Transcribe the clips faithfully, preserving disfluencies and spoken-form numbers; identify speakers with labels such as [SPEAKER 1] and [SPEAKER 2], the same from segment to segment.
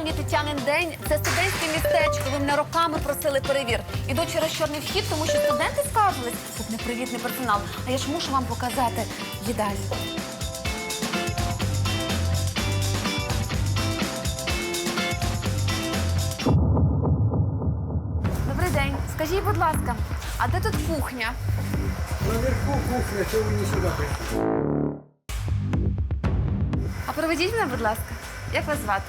[SPEAKER 1] Сьогодні Тетянин день. Це студентське містечко. Ви мене роками просили перевір. Іду через чорний вхід, тому що студенти скаржились. Тут непривітний персонал. А я ж мушу вам показати їдальню. Добрий день. Скажіть, будь ласка, а де тут кухня?
[SPEAKER 2] Наверху кухня, чего вы не сюда пришли?
[SPEAKER 1] А проведіть мене, будь ласка. Як вас звати?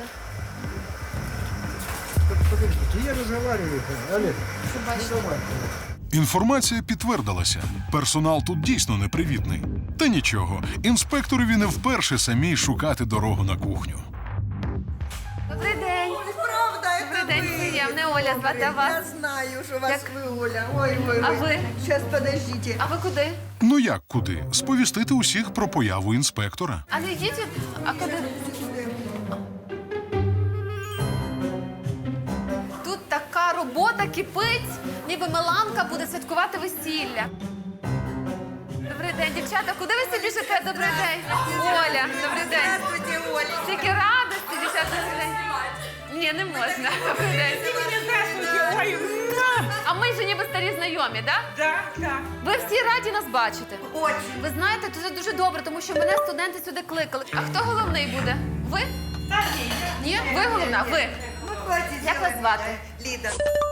[SPEAKER 2] Подождите, я разговариваю. Олег,
[SPEAKER 1] Що
[SPEAKER 2] ну давай.
[SPEAKER 3] Інформація підтвердилася. Персонал тут дійсно непривітний. Та нічого, інспекторові не вперше самій шукати дорогу на кухню.
[SPEAKER 1] Добрий день.
[SPEAKER 4] Правда, это
[SPEAKER 1] Добрий день,
[SPEAKER 4] вы.
[SPEAKER 1] приємне, Оля, звати, а вас?
[SPEAKER 4] Я знаю, что вас
[SPEAKER 1] Як?
[SPEAKER 4] вы, Оля. Ой, ой,
[SPEAKER 1] А
[SPEAKER 4] ой.
[SPEAKER 1] ви?
[SPEAKER 4] Сейчас, подождите.
[SPEAKER 1] А ви куди?
[SPEAKER 3] Ну як куди? Сповістити усіх про появу інспектора.
[SPEAKER 1] А не йдіть, а куди? Тут така робота кипить, ніби Миланка буде святкувати весілля. Добрий день, дівчата, куди ви собі біжите? Добрий день. Оля, добрий день.
[SPEAKER 4] Здравствуйте, Оля.
[SPEAKER 1] Тільки радості, дівчата, добрий день. Ні, не можна. Добрий день.
[SPEAKER 5] Здравствуйте, ой,
[SPEAKER 1] А ми ж ніби старі знайомі, так?
[SPEAKER 5] да, да.
[SPEAKER 1] Ви всі раді нас бачити.
[SPEAKER 4] Очень.
[SPEAKER 1] Ви знаєте, це дуже добре, тому що мене студенти сюди кликали. А хто головний буде? Ви?
[SPEAKER 5] Да, ні.
[SPEAKER 1] Ні? Ви головна? Ви.
[SPEAKER 4] Ну, хватит
[SPEAKER 1] Як вас
[SPEAKER 4] делать.
[SPEAKER 1] звати?
[SPEAKER 4] Лида.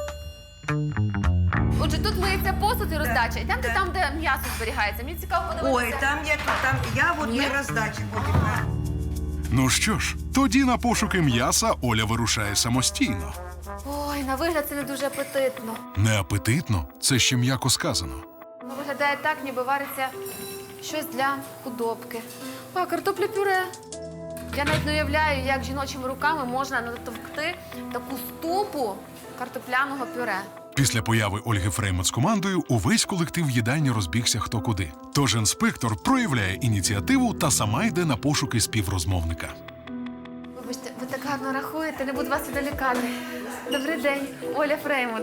[SPEAKER 1] Отже, тут миється посуд і роздача. Йдемте
[SPEAKER 4] да.
[SPEAKER 1] там, де м'ясо зберігається. Мені цікаво подивитися.
[SPEAKER 4] Ой, там я, там я вот
[SPEAKER 1] Нет?
[SPEAKER 4] не раздачи будем.
[SPEAKER 3] Ну що ж, тоді на пошуки м'яса Оля вирушає самостійно.
[SPEAKER 1] Ой, на вигляд це не дуже апетитно.
[SPEAKER 3] Неапетитно – це ще м'яко сказано.
[SPEAKER 1] Ну, виглядає так, ніби вариться щось для худобки. А, картопля пюре. Я навіть не уявляю, як жіночими руками можна натовкти таку ступу картопляного пюре.
[SPEAKER 3] Після появи Ольги Фреймут з командою увесь колектив їдальні розбігся хто куди. Тож інспектор проявляє ініціативу та сама йде на пошуки співрозмовника.
[SPEAKER 1] Вибачте, ви так гарно рахуєте, не буду вас відволікати. Добрий день, Оля Фреймут.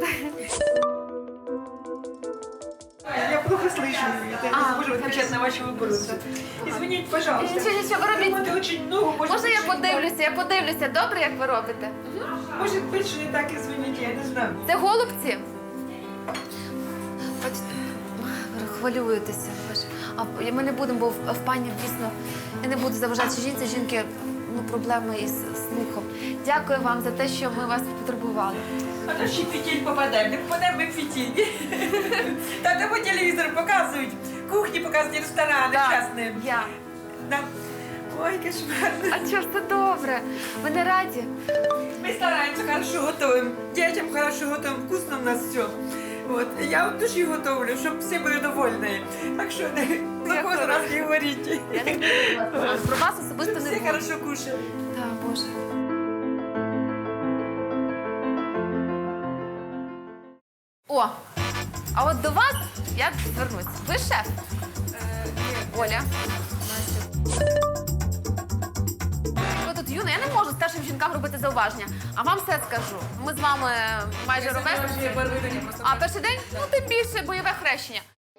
[SPEAKER 5] Я плохо слышу. Это
[SPEAKER 1] А,
[SPEAKER 5] не могу отвечать на ваши вопросы. Извините, пожалуйста.
[SPEAKER 1] Нічого, нічого, ви робіть.
[SPEAKER 5] Это очень много. Может,
[SPEAKER 1] Можна я
[SPEAKER 5] быть, что не
[SPEAKER 1] подивлюся? Я подивлюся, добре, як ви робите?
[SPEAKER 5] так. Может быть, что не так, извините, я не знаю.
[SPEAKER 1] Це голубці? Бачите, ви хвилюєтеся. ви ж. А ми не будемо, бо в, в пані дійсно я не буду заважати жінці. Жінки ну, проблеми із слухом. Дякую вам за те, що ми вас потурбували.
[SPEAKER 5] А то ще фитиль попадаем. Не попадаем мы в фитиль. Там по телевизору показывают. Кухни показывают, рестораны частные.
[SPEAKER 1] Я.
[SPEAKER 5] Да. Ой, кошмар.
[SPEAKER 1] А чого ж це добре? Ви не раді?
[SPEAKER 5] Мы стараемся, хорошо готовим. Детям хорошо готовим, вкусно у нас все. Вот. Я от души готовлю, чтобы все были довольны. Так что за кого раз не говорите.
[SPEAKER 1] Я не буду вас. Про вас особисто не
[SPEAKER 5] Все
[SPEAKER 1] буду.
[SPEAKER 5] хорошо кушают.
[SPEAKER 1] Так, Боже. О, а от до вас я звернусь. Ви шеф? Оля. Ви тут юна, я не можу старшим жінкам робити зауваження. А вам все скажу. Ми з вами майже ровесники. А перший день? Ну, тим більше бойове хрещення.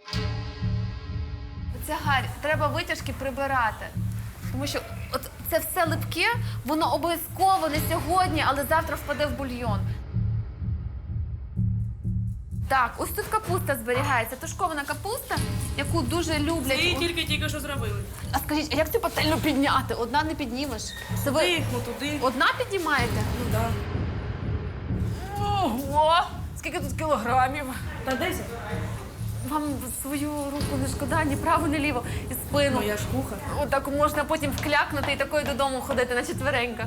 [SPEAKER 1] Це Гарь, треба витяжки прибирати. Тому що от це все липке, воно обов'язково не сьогодні, але завтра впаде в бульйон. Так, ось тут капуста зберігається, тушкована капуста, яку дуже люблять.
[SPEAKER 6] Її тільки-тільки що зробили.
[SPEAKER 1] А скажіть, а як цю пательню підняти? Одна не піднімеш. Це ви
[SPEAKER 6] Тихо туди.
[SPEAKER 1] одна піднімаєте?
[SPEAKER 6] Ну да.
[SPEAKER 1] Ого! Скільки тут кілограмів?
[SPEAKER 6] Та десять.
[SPEAKER 1] Вам свою руку не шкода, ні право, ні ліво, і спину.
[SPEAKER 6] Ну я ж кухар.
[SPEAKER 1] Отак можна потім вклякнути і такою додому ходити на четвереньках.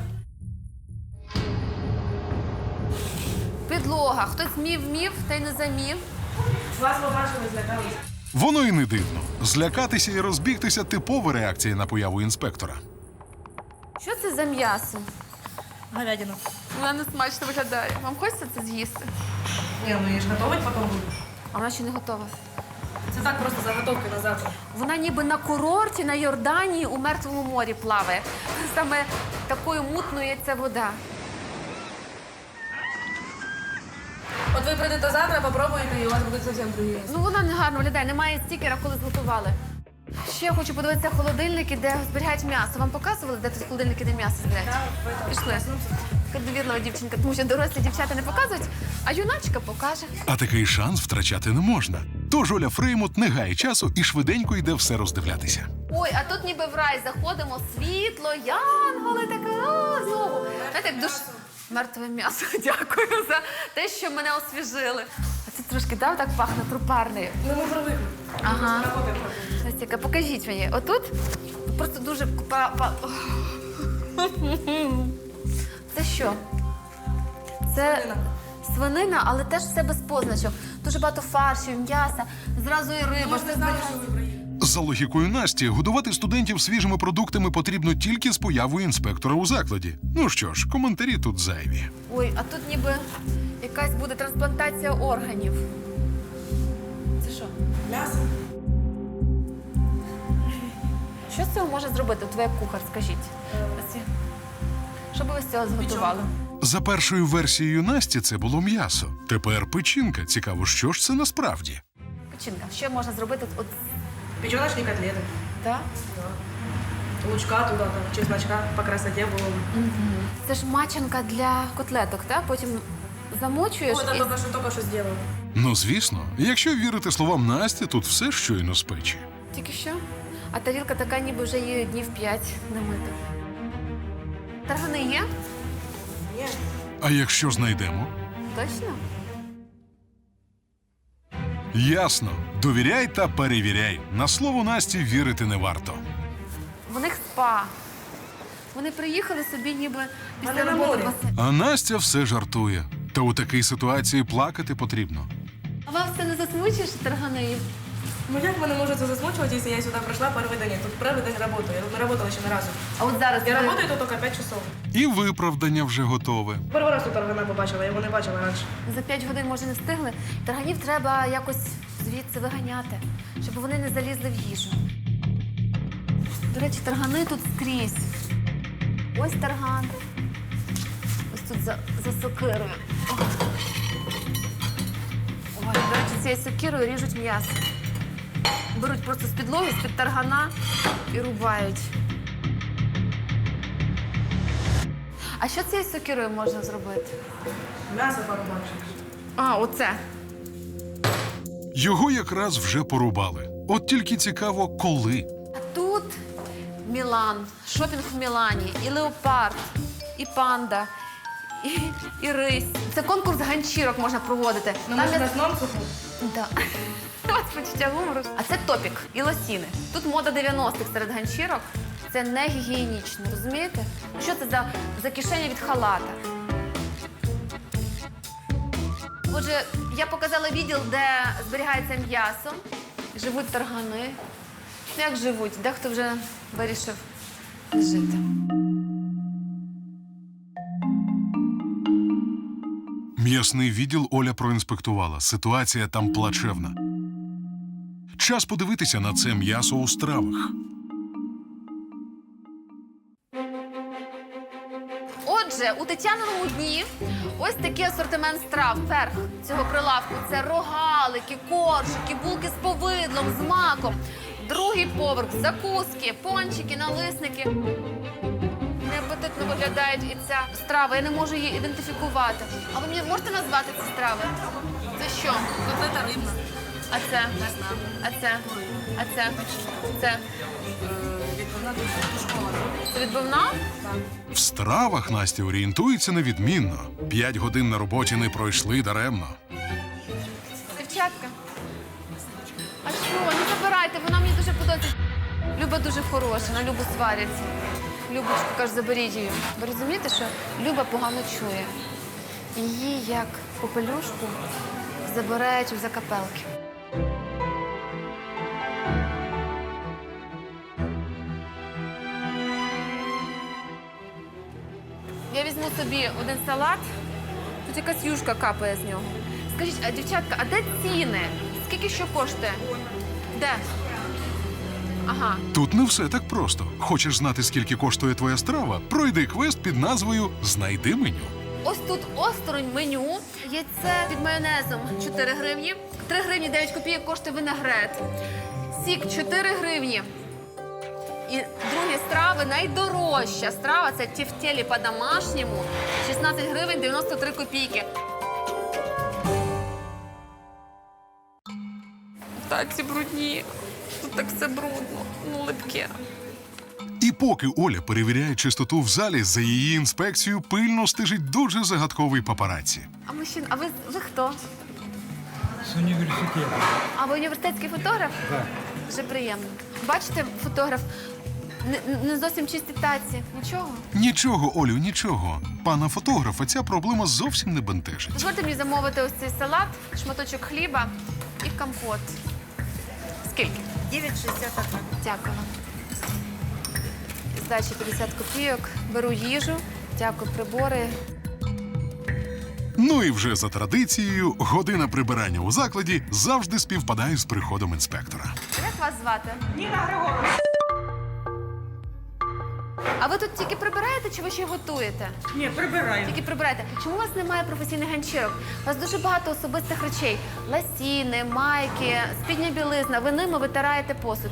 [SPEAKER 1] Підлога. Хтось мів-мів, та й не замів.
[SPEAKER 6] Вас побачили, злякалися.
[SPEAKER 3] Воно і не дивно. Злякатися і розбігтися – типова реакція на появу інспектора.
[SPEAKER 1] Що це за м'ясо?
[SPEAKER 6] Говядину.
[SPEAKER 1] Вона не смачно виглядає. Вам хочеться це з'їсти?
[SPEAKER 6] Ні, ну я ж готувати потім буду.
[SPEAKER 1] А вона ще не готова.
[SPEAKER 6] Це так просто заготовки на завтра.
[SPEAKER 1] Вона ніби на курорті на Йорданії у Мертвому морі плаває. Саме такою мутною є ця вода.
[SPEAKER 6] От ви прийдете завтра, попробуєте, і у вас буде зовсім другі.
[SPEAKER 1] Ну вона не гарно виглядає, немає стікера, коли зготували. Ще я хочу подивитися холодильники, де зберігають м'ясо. Вам показували, де тут холодильники, де м'ясо зберігають? Пішли. Така довірлива дівчинка, тому що дорослі дівчата не показують, а юначка покаже.
[SPEAKER 3] А такий шанс втрачати не можна. Тож Оля Фреймут не гає часу і швиденько йде все роздивлятися.
[SPEAKER 1] Ой, а тут ніби в рай заходимо, світло, янголи, таке, о, знову. Знаєте, як душ... Мертве м'ясо, дякую за те, що мене освіжили. А це трошки, да, так пахне трупарнею.
[SPEAKER 6] Ну, мы привыкли.
[SPEAKER 1] Ага.
[SPEAKER 6] Работаем.
[SPEAKER 1] Настя, покажіть мені. Отут просто дуже... па- па- Це що? Це
[SPEAKER 6] Свинина.
[SPEAKER 1] свинина, але теж все без позначок. Дуже багато фаршів, м'яса, зразу і риба.
[SPEAKER 6] Мы же не знали, что вы проедете.
[SPEAKER 3] За логікою Насті, годувати студентів свіжими продуктами потрібно тільки з появою інспектора у закладі. Ну що ж, коментарі тут зайві.
[SPEAKER 1] Ой, а тут ніби якась буде трансплантація органів. Це що?
[SPEAKER 6] Мясо.
[SPEAKER 1] Що з цього може зробити твоя кухар, скажіть? Ось. Що би ви з цього зготували?
[SPEAKER 3] За першою версією Насті це було м'ясо. Тепер печінка. Цікаво, що ж це насправді?
[SPEAKER 1] Печінка. Що можна зробити от
[SPEAKER 6] Печеночные котлеты.
[SPEAKER 1] так?
[SPEAKER 6] Лучка туда, там, чесночка по красоте было бы.
[SPEAKER 1] Це ж мачанка для котлеток, так? Потім замочуєш
[SPEAKER 6] Ой, это
[SPEAKER 1] і...
[SPEAKER 6] только что, только что сделала.
[SPEAKER 3] Ну, звісно, якщо вірити словам Насті, тут все щойно з печі.
[SPEAKER 1] Тільки що? А тарілка така, ніби вже її днів п'ять не мита. Таргани є?
[SPEAKER 6] Нет.
[SPEAKER 3] А якщо знайдемо?
[SPEAKER 1] Точно?
[SPEAKER 3] Ясно. Довіряй та перевіряй. На слово Насті вірити не варто.
[SPEAKER 1] В них спа. Вони приїхали собі ніби після
[SPEAKER 6] Вони на
[SPEAKER 1] роботи.
[SPEAKER 6] морі.
[SPEAKER 1] в басейн.
[SPEAKER 3] А Настя все жартує. Та у такій ситуації плакати потрібно.
[SPEAKER 1] А вас це не засмучуєш, таргани?
[SPEAKER 6] Ну як мене можете засмучивать, если я сюда пришла первый день? Я тут первый день работаю. Я тут не работала еще ни разу.
[SPEAKER 1] А от зараз
[SPEAKER 6] Я
[SPEAKER 1] ви-
[SPEAKER 6] работаю тут только пять часов.
[SPEAKER 3] І виправдання вже готове.
[SPEAKER 6] Перший раз тут таргана побачила, я його не бачила раніше.
[SPEAKER 1] за п'ять годин, може, не встигли. Тарганів треба якось звідси виганяти, щоб вони не залізли в їжу. До речі, таргани тут скрізь. Ось тарган. Ось тут за, за сокирою. Ох. Ой, до речі, цією сокирою ріжуть м'ясо. Беруть просто з підлоги, з-під таргана і рубають. А що цією сокирою можна зробити?
[SPEAKER 6] М'ясо порубавши.
[SPEAKER 1] А, оце.
[SPEAKER 3] Його якраз вже порубали. От тільки цікаво, коли.
[SPEAKER 1] А тут Мілан, шопінг в Мілані, і леопард, і панда, і, і рись. Це конкурс ганчірок можна проводити.
[SPEAKER 6] Ну,
[SPEAKER 1] Там
[SPEAKER 6] може,
[SPEAKER 1] є-
[SPEAKER 6] на сном суху?
[SPEAKER 1] Да. Ось почуття гумору. А це топік і лосіни. Тут мода дев'яностих серед ганчірок. Це не гігієнічно, розумієте? Що це за, за кишеня від халата? Отже, я показала відділ, де зберігається м'ясо, живуть таргани. Ну, як живуть? Дехто вже вирішив не жити.
[SPEAKER 3] М'ясний відділ Оля проінспектувала. Ситуація там плачевна. Час подивитися на це м'ясо у стравах.
[SPEAKER 1] Отже, у Тетяниному дні ось такий асортимент страв. Верх цього прилавку – це рогалики, коржики, булки з повидлом, з маком. Другий поверх – закуски, пончики, налисники. Неапетитно виглядають і ця страва. Я не можу її ідентифікувати. А ви мені можете назвати ці страви? Це що?
[SPEAKER 6] Котлета рибна.
[SPEAKER 1] А це? А це? А це? Це?
[SPEAKER 6] Відповідна тушкована.
[SPEAKER 1] Це відбивна?
[SPEAKER 3] В стравах Настя орієнтується невідмінно. П'ять годин на роботі не пройшли даремно.
[SPEAKER 1] Дівчатка. А що? Не забирайте, вона мені дуже подобається. Люба дуже хороша, на Любу сваряться. Любочку, каже, заберіть її. Ви розумієте, що Люба погано чує. Її, як попелюшку, забирають у закапелки. Я візьму собі один салат. Тут якась юшка капає з нього. Скажіть, а дівчатка, а де ціни? Скільки що коштує? Де? Ага.
[SPEAKER 3] Тут не все так просто. Хочеш знати, скільки коштує твоя страва? Пройди квест під назвою «Знайди меню».
[SPEAKER 1] Ось тут осторонь меню. Яйце під майонезом чотири гривні. три гривні дев'ять копійок коштує винегрет. сік чотири гривні. І другі страви найдорожча страва це тефтелі по-домашньому. шістнадцять гривень дев'яносто три копійки. Так, ці брудні. Тут так все брудно, ну липке.
[SPEAKER 3] І поки Оля перевіряє чистоту в залі, за її інспекцією пильно стежить дуже загадковий папараці.
[SPEAKER 1] А мужчина, а ви, ви хто?
[SPEAKER 2] З університету.
[SPEAKER 1] А ви університетський фотограф?
[SPEAKER 2] Так.
[SPEAKER 1] Дуже приємно. Бачите, фотограф, не, не зовсім чисті таці. Нічого?
[SPEAKER 3] Нічого, Олю, нічого. Пана фотографа ця проблема зовсім не бентежить.
[SPEAKER 1] Дозвольте мені замовити ось цей салат, шматочок хліба і компот. Скільки?
[SPEAKER 4] дев'ять шістдесят один.
[SPEAKER 1] Дякую вам. Здачі п'ятдесят копійок. Беру їжу. Дякую, прибори.
[SPEAKER 3] Ну і вже за традицією, година прибирання у закладі завжди співпадає з приходом інспектора.
[SPEAKER 1] Як вас звати?
[SPEAKER 5] Ніна Григорівна.
[SPEAKER 1] А ви тут тільки прибираєте чи ви ще й готуєте?
[SPEAKER 5] Ні, прибираємо.
[SPEAKER 1] Тільки прибираєте. Чому у вас немає професійних ганчірок? У вас дуже багато особистих речей. Ласіни, майки, спідня білизна. Ви ними витираєте посуд.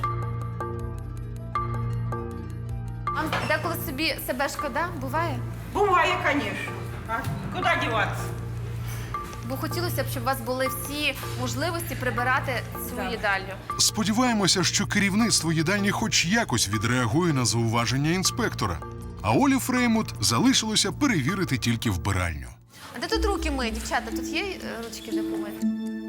[SPEAKER 1] Вам деколи собі себе шкода? Буває?
[SPEAKER 5] Буває, звісно. А куди діватися?
[SPEAKER 1] Бо хотілося б, щоб у вас були всі можливості прибирати свою їдальню.
[SPEAKER 3] Сподіваємося, що керівництво їдальні хоч якось відреагує на зауваження інспектора. А Олі Фреймут залишилося перевірити тільки вбиральню.
[SPEAKER 1] А де тут руки миють, дівчата? Тут є е, ручки для помити?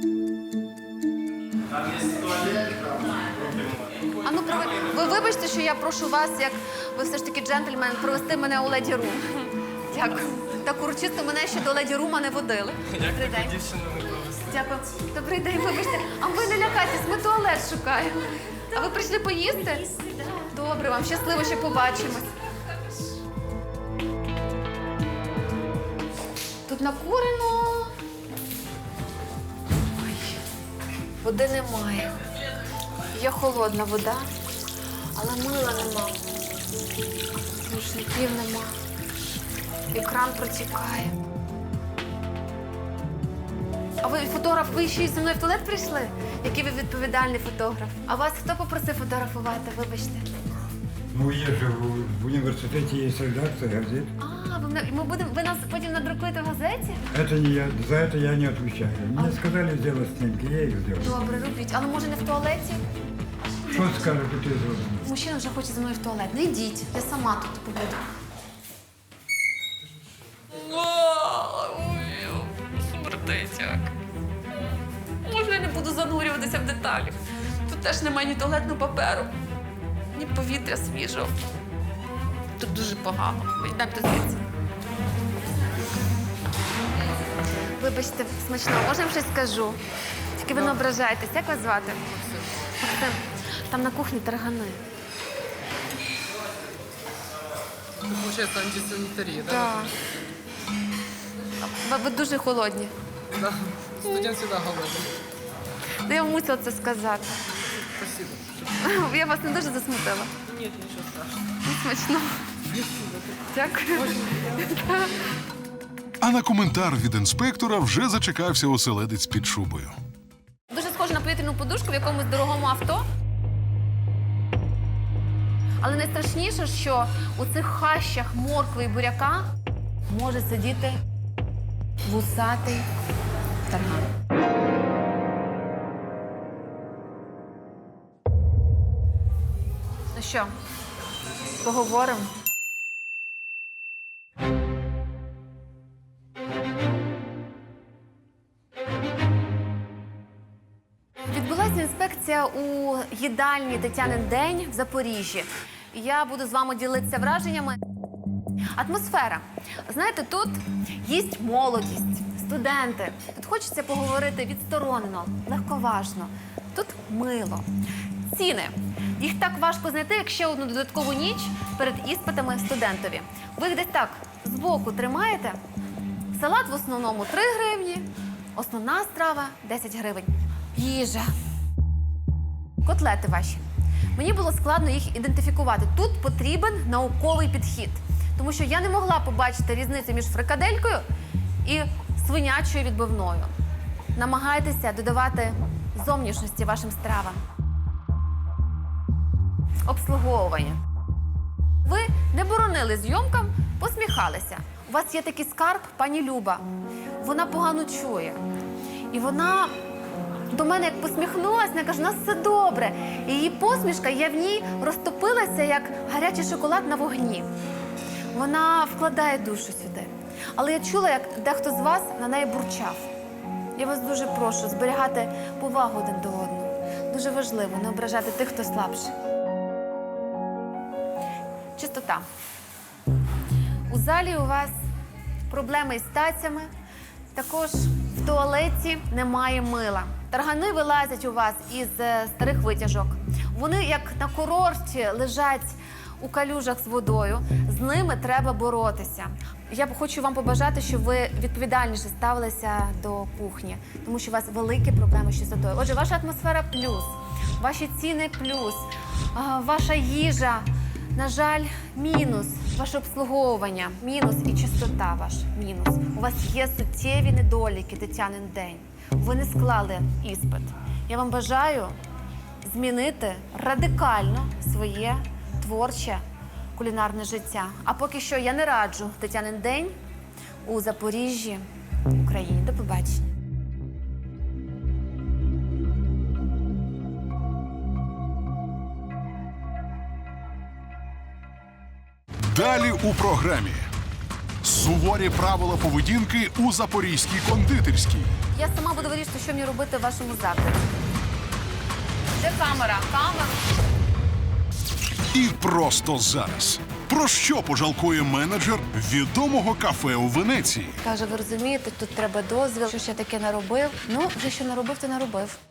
[SPEAKER 1] А ну, прови... ви вибачте, що я прошу вас, як ви все ж таки джентльмен, провести мене у леді рум. Дякую. Так урочисто мене ще до леді рума не водили. Добрий день. Дякую. Добрий день, вибачте. А ви не лякайтесь, ми туалет шукаємо. А ви прийшли поїсти? Добре, вам щасливо, ще побачимось. Тут накурено. Ой, води немає. Є холодна вода, але мила нема. Рушників нема. Екран протікає. А ви фотограф, ви ще й зі мною в туалет прийшли? Який ви відповідальний фотограф. А вас хто попросив фотографувати, вибачте?
[SPEAKER 2] Ну, є же в, в університеті є редакція газет.
[SPEAKER 1] А, ви, мене- ми будемо, ви нас потім надрукуєте в газеті?
[SPEAKER 2] Это не я, за это я не отвечаю. Мне сказали сделать снимки, я их сделал.
[SPEAKER 1] Добре, робіть. Але може не в туалеті?
[SPEAKER 2] Что скажешь, ты сделал?
[SPEAKER 1] Мужчина вже хоче зі мною в туалет. Не йдіть, я сама тут побуду. Смертить як. Можна я не буду занурюватися в деталі. Тут теж немає ні туалетного паперу, ні повітря свіжого. Тут дуже погано. Йдемте звідси. Вибачте, смачно, може я вам щось скажу? Тільки ви не ображаєтесь. Як вас звати? Максим. Там на кухні таргани.
[SPEAKER 7] Это получается антисанитария, да?
[SPEAKER 1] Так. Ви, ви дуже холодні.
[SPEAKER 7] Да. Студент всегда голодный.
[SPEAKER 1] Ну, я мусила це сказати.
[SPEAKER 7] Спасибо.
[SPEAKER 1] Я вас не дуже засмутила.
[SPEAKER 7] Нет, ничего страшного.
[SPEAKER 1] Ну, смачно. Дякую.
[SPEAKER 3] А на коментар від інспектора вже зачекався оселедець під шубою.
[SPEAKER 1] Дуже схоже на повітряну подушку в якомусь дорогому авто. Але найстрашніше, що у цих хащах моркви і буряка може сидіти вусатий тарган. Ну що, поговоримо? Відбулася інспекція у їдальні Тетянин день в Запоріжжі. Я буду з вами ділитися враженнями. Атмосфера. Знаєте, тут їсть молодість, студенти. Тут хочеться поговорити відсторонено, легковажно. Тут мило. Ціни. Їх так важко знайти, як ще одну додаткову ніч перед іспитами студентові. Ви їх десь так збоку тримаєте. Салат в основному три гривні, основна страва десять гривень. Їжа. Котлети ваші. Мені було складно їх ідентифікувати. Тут потрібен науковий підхід. Тому що я не могла побачити різницю між фрикаделькою і свинячою відбивною. Намагайтеся додавати зовнішності вашим стравам. обслуговування. Ви не боронили зйомкам, посміхалися. У вас є такий скарб, пані Люба. Вона погано чує. І вона до мене як посміхнулася, вона каже, у нас все добре. І її посмішка, я в ній розтопилася, як гарячий шоколад на вогні. Вона вкладає душу сюди. Але я чула, як дехто з вас на неї бурчав. Я вас дуже прошу зберігати повагу один до одного. Дуже важливо не ображати тих, хто слабший. Чистота. У залі у вас проблеми із тацями. Також в туалеті немає мила. Таргани вилазять у вас із е, старих витяжок. Вони, як на курорті, лежать у калюжах з водою. З ними треба боротися. Я хочу вам побажати, щоб ви відповідальніше ставилися до кухні, тому що у вас великі проблеми з чистотою. Отже, ваша атмосфера плюс, ваші ціни плюс, а, ваша їжа, на жаль, мінус, ваше обслуговування, мінус і чистота ваш, мінус. У вас є суттєві недоліки, Тетянин день. Ви не склали іспит. Я вам бажаю змінити радикально своє творче кулінарне життя. А поки що я не раджу Тетянин день у Запоріжжі, Україні. До побачення.
[SPEAKER 3] Далі у програмі. Суворі правила поведінки у запорізькій кондитерській.
[SPEAKER 1] Я сама буду вирішити, що мені робити в вашому закладі. Де камера? Камера.
[SPEAKER 3] І просто зараз. Про що пожалкує менеджер відомого кафе у Венеції?
[SPEAKER 1] Каже, ви розумієте, тут треба дозвіл, що ж я таке наробив. Ну, вже що наробив, то наробив.